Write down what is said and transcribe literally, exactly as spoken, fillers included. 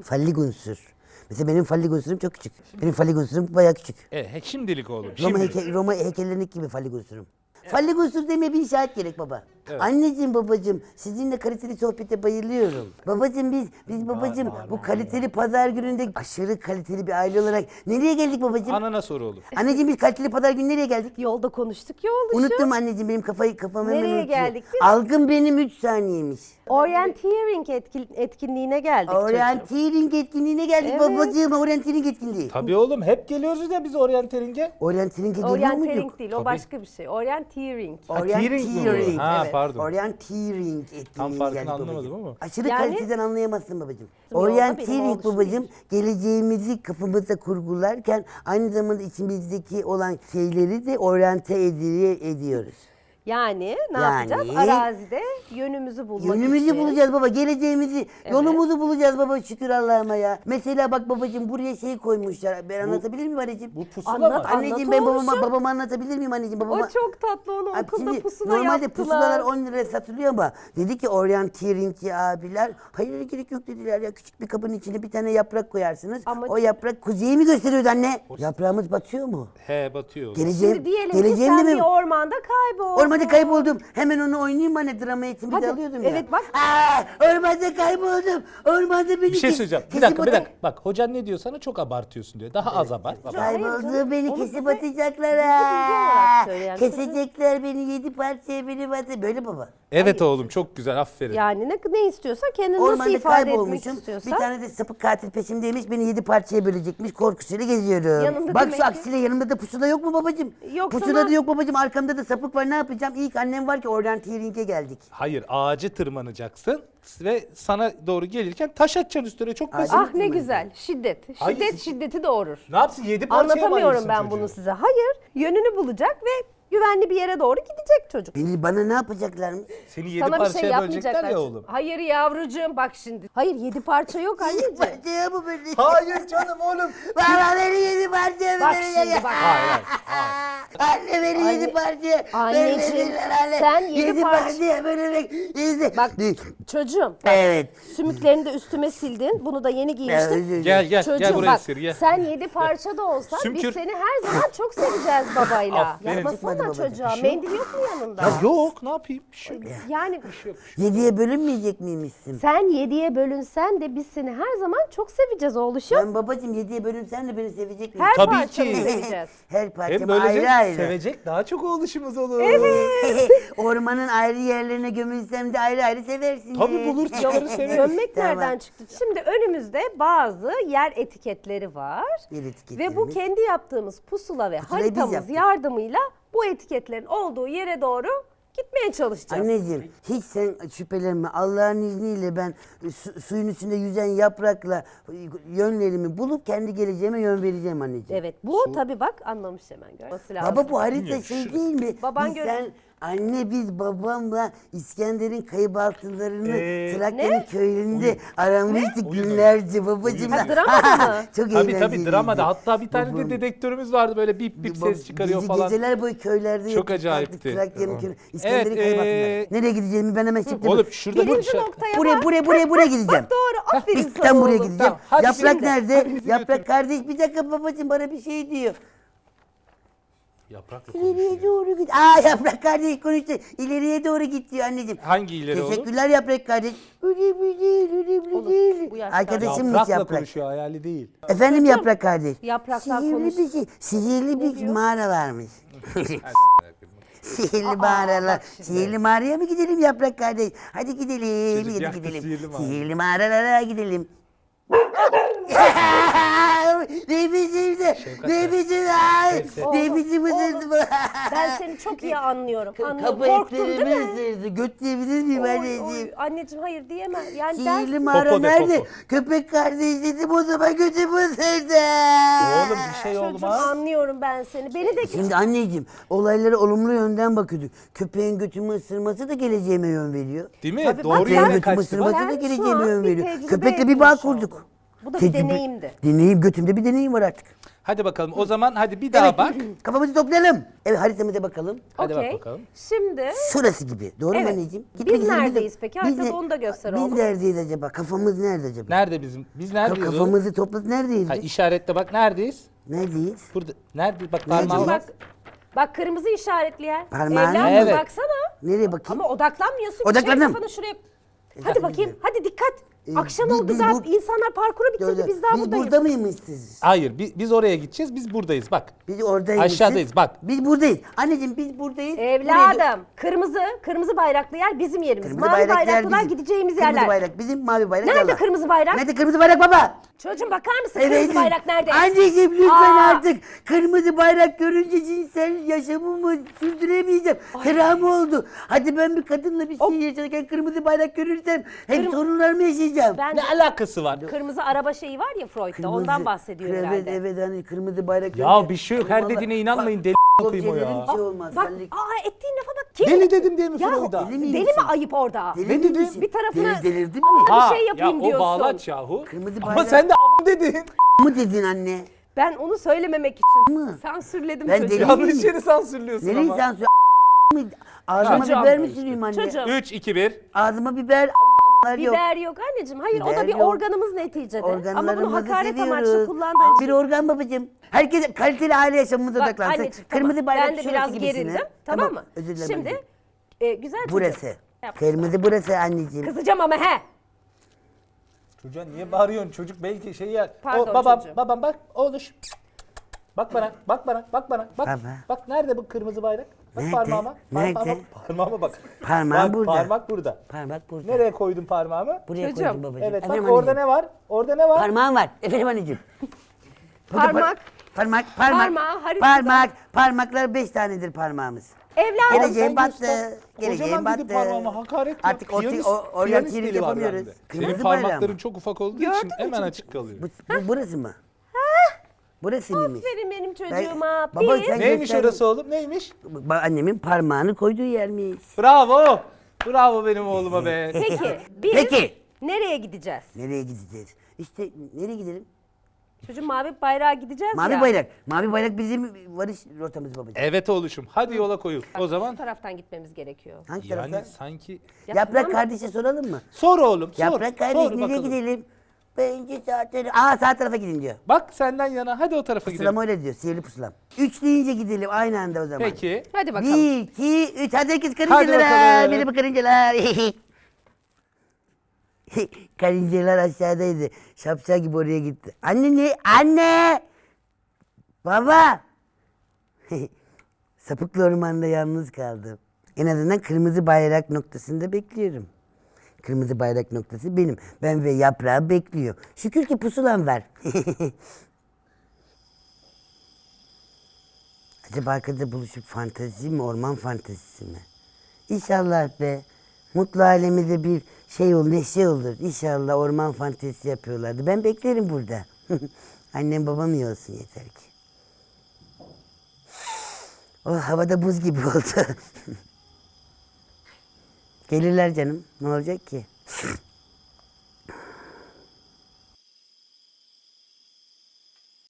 fallik unsur. Mesela benim fallik unsurum çok küçük. Benim fallik unsurum bayağı küçük. E, he- şimdilik oğlum. Roma, Şimdilik. heyke, Roma heykellerindeki gibi fallik unsurum. Fallik unsur demeye bir işaret gerek baba. Anneciğim babacığım sizinle kaliteli sohbete bayılıyorum. Babacığım biz biz babacığım bu kaliteli pazar gününde aşırı kaliteli bir aile olarak nereye geldik babacığım? Anana soru oğlum. Anneciğim biz kaliteli pazar günü nereye geldik? Yolda konuştuk ya oluşu. Unuttum anneciğim benim kafayı kafamı hemen Nereye unutuyor. geldik biz? Algım benim üç saniyemiş. Orienteering etkin, etkinliğine geldik çocuğum. Orienteering etkinliğine geldik Evet. babacığım. Orienteering etkinliği. Tabii oğlum hep geliyoruz ya biz oryantering'e. Orienteering'e geliyor muyduk? Orienteering değil, o Tabii. başka bir şey. Orienteering. Ha, tearing mi bu? Orienteering. Ha, Evet. pardon. Orienteering etkinliğine Tam farkını geldik anlamadım babacığım. ama. Aşırı Yani- kaliteden anlayamazsın babacığım. Yolda benim Orienteering oluşum babacığım geleceğimizi kafamızda kurgularken aynı zamanda içimizdeki olan şeyleri de oryante edi- ediyoruz. Yani ne Yani- yapacağız? Arazide yönümüzü bulmak Yönümüzü için. bulacağız baba, geleceğimizi, yolumuzu bulacağız baba şükür Allah'ıma ya. Mesela bak babacığım buraya şey koymuşlar. Ben anlatabilir miyim anneciğim? Bu pusula Anlat, mı? Anneciğim anlat ben babama, oğlum. babama anlatabilir miyim anneciğim? Babama... O çok tatlı, onu Abi okulda şimdi pusula normalde yaptılar. pusulalar on liraya satılıyor ama dedi ki oryanteeringçi abiler hayır gerek yok dediler ya, küçük bir kabın içine bir tane yaprak koyarsınız. Ama- O yaprak kuzeyi mi gösteriyordu anne? Yaprağımız batıyor mu? He batıyor. oğlum. Geleceğim, Şimdi diyelim ki geleceğim sen de bir mi? ormanda kayboldun. Ormanda kayboldum. Hemen onu oynayayım anne, drama eğitimi de Hadi, alıyordum ya. evet, bak. Aa, ormanda kayboldum. Ormanda beni Bir şey kes- söyleyeceğim. Bir kesip dakika bir ata- dakika. Bak hocan ne diyor sana, çok abartıyorsun diyor. Daha az abart. Bak. Hayır Kayboldu canım, beni onu kesip bize- atacaklar bize bilgi olarak ha. söyleyen Kesecekler beni yedi parçaya beni batı. Böyle baba. Evet oğlum çok güzel, aferin. Yani ne, ne istiyorsan kendini nasıl Ormanda ifade etmek kaybolmuşum. istiyorsan. Bir tane de sapık katil peşimdeymiş. Beni yedi parçaya bölecekmiş. Korkusuyla geziyorum. Yanında Bak demek şu ki- aksiyle yanımda da pusula yok mu babacığım? Yok, Pusula sana- da yok babacığım. Arkamda da sapık var. Ne yapacağım? İlk annem var ki oryanteering'e geldik. Hayır, ağacı tırmanacaksın ve sana doğru gelirken taş atacaksın üstüne, çok basit. Ah ne güzel. Şiddet. Şiddet Hayır. şiddeti doğurur. Ne yapsın, yedi parçaya Anlatamıyorum ayırsın ben çocuğu. bunu size. Hayır. Yönünü bulacak ve güvenli bir yere doğru gidecek çocuk. Beni bana ne yapacaklarmış? Seni yedi Sana bir parçaya şey bölecekler yapmayacaklar. ya oğlum. Hayır yavrucuğum bak şimdi. Hayır yedi parça yok anneciğim. Parçaya mı bölecek? Hayır canım oğlum. Bana beni yedi parçaya mı Bak bölecek? şimdi bak. Hayır hayır. Anne beni Anne- yedi parçaya Anneciğim, bölecekler anne. sen yedi parça- parçaya bölecek. Yedi. Bak çocuğum. Bak, Evet. sümüklerini de üstüme sildin. Bunu da yeni Ya, giymiştin. özür dilerim. Gel gel Çocuğum gel buraya bak sır gel. sen yedi parça da olsan Sümkür. biz seni her zaman çok seveceğiz babayla. Aferin. Çıkmadı Yapmasana babacığım. çocuğa. Bir şey yok. Mendil yok mu yanında? Ya yok, ne yapayım? Bir şey yok. Yani Yediye bölünmeyecek miymişsin? sen yediye bölünsen de biz seni her zaman çok seveceğiz oğluşum. Ben babacığım yediye bölünsen de beni sevecek misin? Her Tabii parçanı ki. seveceğiz. Her Hem parçamı böylece ayrı ayrı. sevecek daha çok oğluşumuz olur. Ormanın ayrı yerlerine gömülsem de ayrı ayrı seversin. Tabii bulursun, onları severiz. Gömmek Tamam. nereden çıktı? Şimdi önümüzde bazı yer etiketleri var. Yer etiketleri Ve bu mi? kendi yaptığımız pusula ve Pusulayı biz haritamız yaptık. yardımıyla bu etiketlerin olduğu yere doğru gitmeye çalışacağız. Anneciğim hiç sen şüphelenme. Allah'ın izniyle ben su- suyun üstünde yüzen yaprakla yönlerimi bulup kendi geleceğime yön vereceğim anneciğim. Evet bu tabii bak anlamış hemen görmesi lazım. Baba bu harita Bilmiyorum, şey şu- değil mi? Baban biz gör- sen anne biz babamla İskender'in kayıp altınlarını Ee, Trakya'nın Ne? köyünde aramıştık günlerce babacığım. Ha, dramada mı? Çok Tabii tabii eğlenceliydi. dramada. Hatta bir tane Babam- de dedektörümüz vardı, böyle bip bip Bab- ses çıkarıyor bizi falan. geceler boyu köylerde Çok yattık, acayipti. kalktık, Trakya'nın Evet, köyü. İskender'in kayıp ee, altınları. Nereye gideceğimi ben hemen çıktım. Oğlum şurada bir Birinci şey. noktaya Buraya bak. buraya buraya buraya gideceğim. Doğru aferin İlk sana tam buraya oğlum. gideceğim. Tamam, hadi Yaprak şimdi. nerede? Hadi bizi Yaprak götür. kardeş bir dakika babacığım bana bir şey diyor. Yaprakla İleriye konuşuyor. doğru git. Aa Yaprak kardeş konuştu. İleriye doğru git diyor anneciğim. Hangi ileri oğlum? Teşekkürler Yaprak kardeş. Önemli değil, önemli Olur, değil. bu yaşta- Arkadaşımmış Yaprakla Yaprak. konuşuyor, hayali değil. Efendim Yaprak kardeş. Yapraklar Sihirli konuş- bir şey, sihirli bir diyor? mağara varmış. Sihirli mağaralar. Sihirli mağaraya mı gidelim Yaprak kardeş? Hadi gidelim, Çocuk hadi yaktı gidelim. sihirli mağara. Sihirli mağaralara gidelim. ne biçim de, ne biçim ay, ne Oğlum, biçim ısırdı bu. Ben seni çok iyi anlıyorum. Anlıyorum. Kapı Korktun değil etlerimi mi? ısırdı. Göt diyebilir miyim Oy, anneciğim? oy, anneciğim hayır diyemem. Yani Sihirli dersin. mağara Popo de, nerede? popo. Köpek kardeş dedim o zaman götümü ısırdı. Oğlum bir şey Çocuğum olmaz. anlıyorum ben seni. Beni de Şimdi anneciğim olaylara olumlu yönden bakıyorduk. Köpeğin götümü ısırması da geleceğime yön veriyor. Değil mi? Tabii bak Doğru sen- Köpeğin yere götümü kaçtı. ısırması Sen da şu geleceğime an yön bir veriyor. tecrübe Köpekle bir etmiş bağ oldun. kurduk. Bu da bir Tecrübe- deneyimdi. Deneyim götümde bir deneyim var artık. Hadi bakalım o zaman hadi bir daha Evet, bak. Kafamızı toplayalım. Evet haritamıza bakalım. Hadi Okey. bak bakalım. Şimdi Şurası gibi. Doğru mu Evet. anneciğim? Biz Gitmek istedim, neredeyiz de- peki? Biz Haritada ne- onu da göster Biz oğlum. neredeyiz acaba? Kafamız nerede acaba? Nerede bizim? Biz Ka- neredeyiz? oğlum? Kafamızı topladık neredeyiz Ha, biz? işaretle bak neredeyiz? Neredeyiz? Burada. Nerede? Bak Nerede? parmağım bak bak. bak kırmızı işaretli yer. Parmağını Evladım mı? Evet. baksana. Nereye bakayım? Ama odaklanmıyorsun. Odaklandım. Şey, kafanı şuraya. Hadi bakayım. Hadi dikkat. Ee, Akşam biz- oldu biz daha. bu- İnsanlar parkuru bitirdi. Gördüm. Biz daha Biz buradayız. burada mıymışız? Hayır biz, biz oraya gideceğiz. Biz buradayız bak. Biz oradaymışız. Aşağıdayız, bak. Biz buradayız. Anneciğim biz buradayız. Buraya- Evladım. Kırmızı. Kırmızı bayraklı yer bizim yerimiz. Kırmızı Mavi bayrak yer bayraklılar bizim. gideceğimiz Kırmızı yerler. bayrak bizim, mavi bayrak Nerede Allah. kırmızı bayrak? Nerede kırmızı bayrak baba? Çocuğum bakar mısın? Evet. Kırmızı bayrak nerede? Anneciğim lütfen Aa. artık. Kırmızı bayrak görünce cinsel yaşamımı sürdüremeyeceğim. Travma oldu. Hadi ben bir kadınla bir şey yaşarken kırmızı bayrak görürsem hep Kırm- sorunlarımı yaşayacağım. Ben Ne alakası var? kırmızı araba şeyi var ya Freud'da. Ondan bahsediyor evet, herhalde. Evet evet hani kırmızı bayrak. Ya görünce- bir şey yok. Her Vallahi- dediğine inanmayın. Bak, Deli bak, okuyayım o ya. şeylerin bir şey olmaz. Bak, Senlik- aa ettiğin lafa bak. Kim? Deli dedim diye mi Ya, Freud'a? deli Deli miyim mi sen? ayıp orada? Deli Ne misin? dedin? Bir tarafına- Deli, delirdin Ama- mi? bir şey yapayım ya, diyorsun. o bağlaç yahu. Kırmızı Ama bayrak- sen de a** dedin. mı dedin anne? Ben onu söylememek için Mı? sansürledim Ben çocuğu. deli- Yanlış yeri sansürlüyorsun Nereyi ama. sansür? mı? Ağzıma Çocuğum. biber mi süreyim anne? Çocuğum. üç, iki, bir. Ağzıma biber a**lar yok. Biber yok anneciğim. Hayır o da Biber bir yok. organımız neticede. Ama bunu Organlarımızı hakaret amaçlı seviyoruz. kullandığın Bir için. organ babacığım. Herkes kaliteli aile yaşamımıza Bak odaklansın. anneciğim Kırmızı tamam. bayrak Ben de şurası biraz gibisine. gerildim. Tamam mı? Özür dilerim Şimdi anneciğim. e, güzel çocuk. Burası. Yap. Kırmızı burası anneciğim. Kızacağım ama he. Çocuğa niye bağırıyorsun? Çocuk belki şey yer. Pardon o, babam, çocuğum. babam bak oğluş. Bak bana, bak bana, bak bana. Bak, Baba. bak nerede bu kırmızı bayrak? Bak Nerede? parmağıma. Parmağıma, Nerede? parmağıma bak. Parmağım Bak, burada. Parmak burada. Parmak burada. Nereye koydun parmağımı? Buraya Çocuğum. koydum babacığım. Evet bak Efendim orada anneciğim. ne var? Orada ne var? Parmağım var. Efendim anneciğim. Burada par- Parmak. Parmak, parmak. Parmağı, haritada. Parmak, parmaklar beş tanedir parmağımız. Evladım. Geleceğim sen battı. göster. Geleceğim Kocaman dedi battı. parmağıma, hakaret ya. Artık o, Piyanist- o, organ piyanist tirit dili var yapamıyoruz. bende. Kırmızı Senin bayrağı parmakların mı? çok ufak olduğu Gördün için mü hemen çocuk? açık kalıyor. Bu, bu burası mı? Burası mıymış? Aferin benim Ben- çocuğuma. Baba Biz sen Neymiş göster- orası oğlum? Neymiş? Ba- Annemin parmağını koyduğu yermiş. Bravo. Bravo benim oğluma be. peki biz Peki. nereye gideceğiz? Nereye gideceğiz? İşte nereye gidelim? Çocuğum mavi bayrağa gideceğiz Mavi ya. bayrak. Mavi bayrak bizim varış rotamız babacığım. Evet oğluşum. Hadi yola koyul. O Bu zaman taraftan gitmemiz gerekiyor. Hangi yani tarafta? sanki Ya Yaprak tamam. kardeşe soralım mı? sor oğlum sor. Yaprak kardeş sor nereye bakalım. gidelim? Bence sağ tarafa. Aa sağ tarafa gidin diyor. Bak senden yana hadi o tarafa gidelim. Pusulam öyle diyor. Sihirli pusulam. Üç deyince gidelim aynı anda o zaman. Peki. Hadi bakalım. Bir, iki, üç. Hadi herkes Hadi karıncalar. bakalım. Benim karıncalar. Karıncalar aşağıdaydı. Şapşal gibi oraya gitti. Anne ne? Anne! Baba! Sapıklı ormanda yalnız kaldım. En azından kırmızı bayrak noktasında bekliyorum. Kırmızı bayrak noktası benim. Ben ve yaprağı bekliyor. Şükür ki pusulam var. Acaba arkada buluşup fantezi mi, orman fantezisi mi? İnşallah be. Mutlu alemide bir şey olur, neşe olur. İnşallah orman fantezisi yapıyorlardı. Ben beklerim burada. Annem babam iyi olsun yeter ki. Oh havada buz gibi oldu. Gelirler canım. Ne olacak ki?